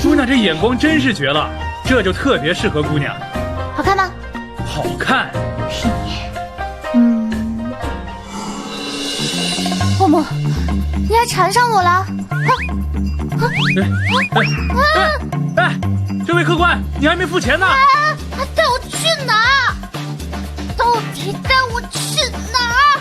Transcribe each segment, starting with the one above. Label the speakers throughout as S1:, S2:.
S1: 姑娘这眼光真是绝了，这就特别适合姑娘。
S2: 好看吗？
S1: 好看。
S2: 默默，你还缠上我了？
S1: 哎，这位客官，你还没付钱呢！
S2: 带我去哪儿？到底带我去哪儿？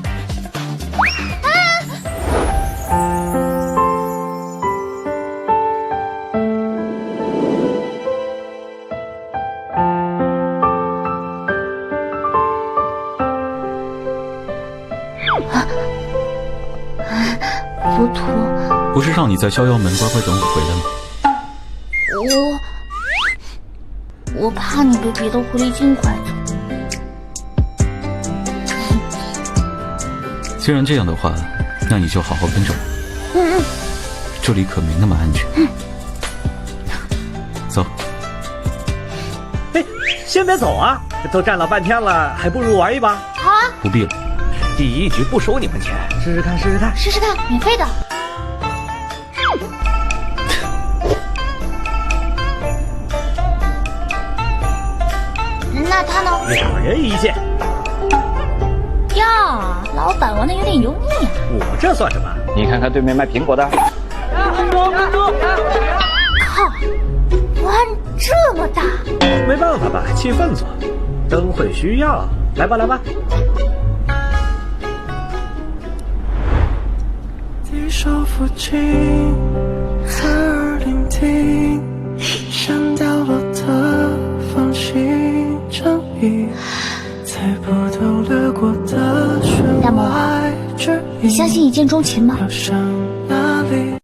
S2: 浮屠，
S3: 不是让你在逍遥门乖乖等我回来吗？
S2: 我怕你被别的狐狸精拐走。
S3: 既然这样的话，那你就好好跟着我。这里可没那么安全。走。
S4: 哎，先别走啊！都站了半天了，还不如玩一把。
S2: 好啊，
S3: 不必了。
S4: 第一局不收你们钱，试试看，试试看，
S2: 试试看，免费的。那他呢
S4: 2人1件。
S2: 呀，老板玩的有点油腻啊。
S4: 我这算什么？
S5: 你看看对面卖苹果的。
S2: 靠，玩这么大！
S4: 没办法吧，气氛组，灯会需要。来吧，来吧。
S6: 低手抚琴，侧耳聆听，像掉落的放晴正义，猜不透掠过的弦外之音。
S2: 你相信一见钟情吗？
S6: 要像